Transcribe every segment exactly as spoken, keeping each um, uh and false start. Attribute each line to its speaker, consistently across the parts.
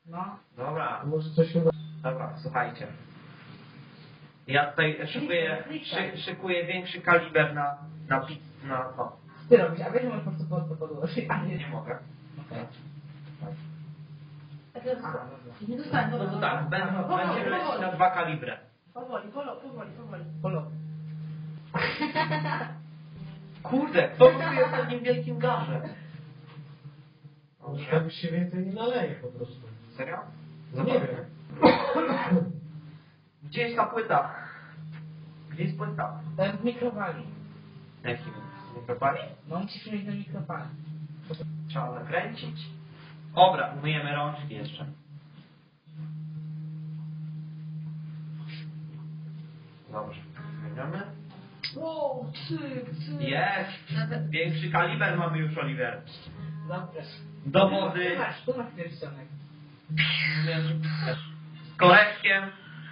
Speaker 1: No.
Speaker 2: Dobra.
Speaker 3: Może coś uda.
Speaker 2: Dobra, słuchajcie. Ja tutaj szykuję, szy, szykuję większy kaliber na, na pizz, na to.
Speaker 1: Ty robisz, a wiesz, że możesz po prostu pod to podłożyć, a nie...
Speaker 2: Nie mogę.
Speaker 1: Okej.
Speaker 4: A teraz...
Speaker 1: Aha, dobra.
Speaker 4: Nie dostałem,
Speaker 2: No
Speaker 4: dobra.
Speaker 2: to tak, będą,
Speaker 4: Powoli,
Speaker 2: będziemy lecieć
Speaker 4: powoli.
Speaker 2: na dwa kalibry.
Speaker 4: Powoli, powoli, powoli, powoli.
Speaker 1: Polo.
Speaker 2: Kurde, kto tu jest w takim wielkim garze?
Speaker 3: Może tam już się więcej nie naleje po prostu.
Speaker 2: Serio?
Speaker 3: Nie wiem.
Speaker 2: Gdzie jest ta płyta? Gdzie jest płyta?
Speaker 1: To jest w mikrofali.
Speaker 2: Jakim? Mikrofali?
Speaker 1: No musisz mieć do mikrofali.
Speaker 2: Trzeba zakręcić. Dobra, umyjemy rączki jeszcze. Dobrze, zmieniamy.
Speaker 4: Wow, cyk, cyk.
Speaker 2: Jest! Większy kaliber mamy już, Oliver.
Speaker 1: Dobrze.
Speaker 2: Do
Speaker 1: Tu
Speaker 2: wody.
Speaker 1: masz, tu masz pierścionek.
Speaker 2: Z koreczkiem.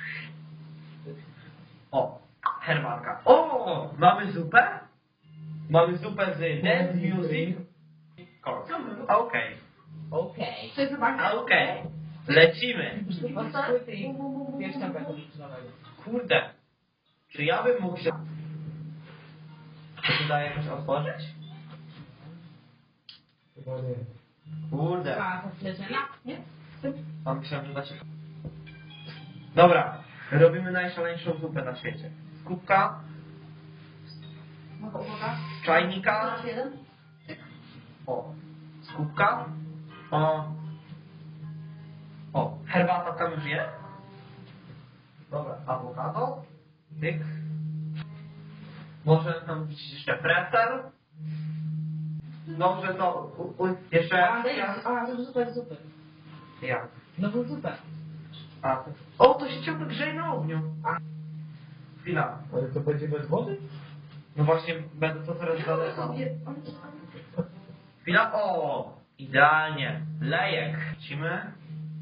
Speaker 2: O, herbatka. O, mamy zupę? Mamy zupę z dance music. Okej,
Speaker 1: Okej.
Speaker 4: To jest zobaczcie.
Speaker 2: okej. Lecimy.
Speaker 1: Od płyty i pierścionka publicznego.
Speaker 2: Kurde. Czy ja bym mógł się... Czy tu da jakoś otworzyć?
Speaker 3: Chyba nie.
Speaker 2: Kurde.
Speaker 1: A, to śledzenia?
Speaker 4: Nie?
Speaker 2: Mam myślałem, że da się... Dobra. Robimy najszaleńszą zupę na świecie. Z kubka,
Speaker 4: Mogę uwaga.
Speaker 2: z czajnika.
Speaker 4: Raz jeden.
Speaker 2: O. Z kubka. O. O. Herbata tam już jest. Dobra. Awokado. Tyk. Może tam być jeszcze pretzel. Dobrze, to... U, u, jeszcze...
Speaker 1: A, a, to zupę, zupę.
Speaker 2: Jak?
Speaker 1: No bo zupę.
Speaker 2: A, to... O, to się ciągle grzeje na ogniu.
Speaker 1: A.
Speaker 2: Chwila.
Speaker 3: Ale to będzie bez wody?
Speaker 2: No właśnie, będę to teraz
Speaker 4: Ja
Speaker 2: daleko.
Speaker 4: sobie.
Speaker 2: Chwila. O! Idealnie. Lejek. Lecimy.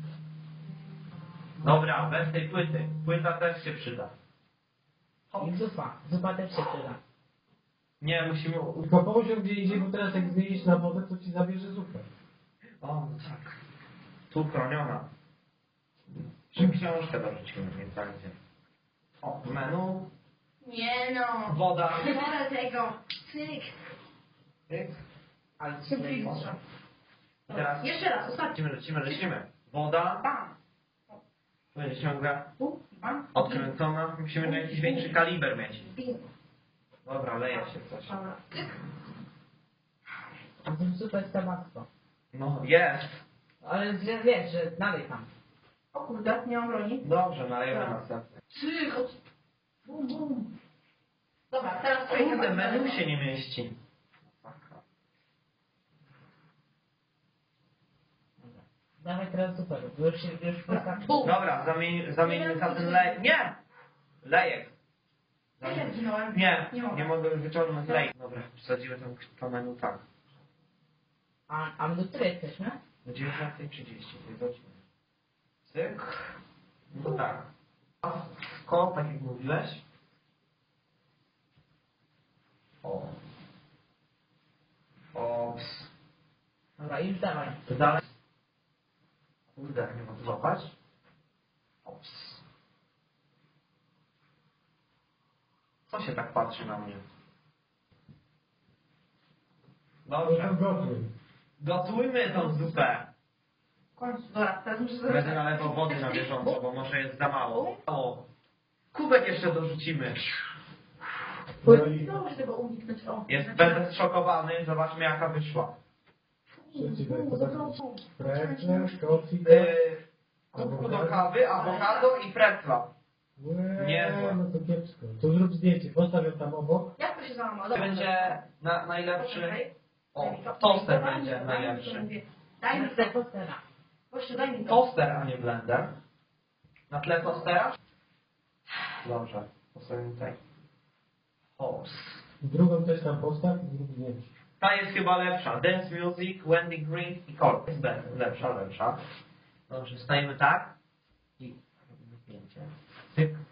Speaker 2: Dobra, bez tej płyty. Płyta też się przyda.
Speaker 1: I zupa. Zupa też się przyda.
Speaker 2: Nie, musimy...
Speaker 3: Tylko poziom gdzie idzie, bo teraz jak zmienisz na wodę, to ci zabierze zupę.
Speaker 2: O, no tak. Tu chroniona. Czy książkę dorzucimy, więc będzie. O, menu.
Speaker 4: Nie no.
Speaker 2: Woda.
Speaker 4: Nie wolę tego. Cyk.
Speaker 2: Tyk.
Speaker 1: Ale
Speaker 4: Szybciej
Speaker 1: super.
Speaker 4: wystrzał.
Speaker 2: Teraz
Speaker 4: Jeszcze raz, ostatni.
Speaker 2: lecimy, lecimy, lecimy. Woda.
Speaker 4: Bam.
Speaker 2: Tu będzie ciągle
Speaker 4: Tu, bam.
Speaker 2: odkręcona. Musimy na jakiś większy kaliber mieć.
Speaker 4: Bingo.
Speaker 2: Dobra, leje się coś.
Speaker 4: Dobra. Cyk.
Speaker 1: A to zupę z tabasco.
Speaker 2: No, jest.
Speaker 1: Ale że wiesz, że dalej tam.
Speaker 4: O kurde, nie mam broni.
Speaker 2: Dobrze, nalejemy następny.
Speaker 4: Cyk. od- Bum, bum. Dobra, teraz
Speaker 2: Kurde, menu się nie mieści.
Speaker 1: Dawaj teraz zupę, bo już się, już wystarczy.
Speaker 4: Bum.
Speaker 2: Dobra, zamień, zamieńmy za ten lejek. Nie! Lejek.
Speaker 4: Ja się zginąłem.
Speaker 2: Nie,
Speaker 4: Nie mogę.
Speaker 2: nie mogę wyciągnąć lejek. Dobra, wsadziłem tam to menu tak.
Speaker 1: A, a my do której jesteśmy?
Speaker 2: Do dziewiętnasta trzydzieści, tej godziny. Cyk. No to tak. Ko, tak jak mówiłeś. O. Ops.
Speaker 1: Dobra, już dawaj.
Speaker 2: To dalej. Kurde, nie mogę złapać. Ops. Co się tak patrzy na mnie?
Speaker 3: No to
Speaker 2: Dobrze.
Speaker 3: gotuj.
Speaker 2: Gotujmy tą zupę.
Speaker 4: W końcu, dobra, teraz muszę
Speaker 2: Będę
Speaker 4: zrobić.
Speaker 2: nalewał wody na bieżąco, bo może jest za mało. O. Kubek jeszcze dorzucimy.
Speaker 3: No i
Speaker 4: Nie mogę tego uniknąć. O.
Speaker 2: Jest, będę zszokowany. Zobaczmy jaka wyszła.
Speaker 3: przeciwko to pretzel, kofik.
Speaker 2: Yy, kubku do kawy, awokado i pretla.
Speaker 3: Łe,
Speaker 2: Niezłe.
Speaker 3: no to kiepsko. To zrób zdjęcie, postaw ją tam obok.
Speaker 4: Jak to się załamało?
Speaker 2: To
Speaker 4: Dobra,
Speaker 2: będzie na, najlepszy...
Speaker 4: Poczekaj.
Speaker 2: O,
Speaker 4: Daj mi to.
Speaker 2: toster
Speaker 4: Daj mi
Speaker 2: będzie
Speaker 4: to, daj mi to,
Speaker 2: najlepszy.
Speaker 4: mówię. Daj mi
Speaker 1: Chcę
Speaker 4: to.
Speaker 1: postera.
Speaker 4: Gościu, daj mi to.
Speaker 2: Toster, a nie blender. Na tle tostera? Dobrze, postawimy tutaj. Host.
Speaker 3: Drugą też tam postaw i zrób zdjęcie.
Speaker 2: Ta jest chyba lepsza. Dance Music, Wendy Green i Corp. Jest be- lepsza, lepsza. Dobrze, stajemy tak. I robimy zdjęcie. Tyk.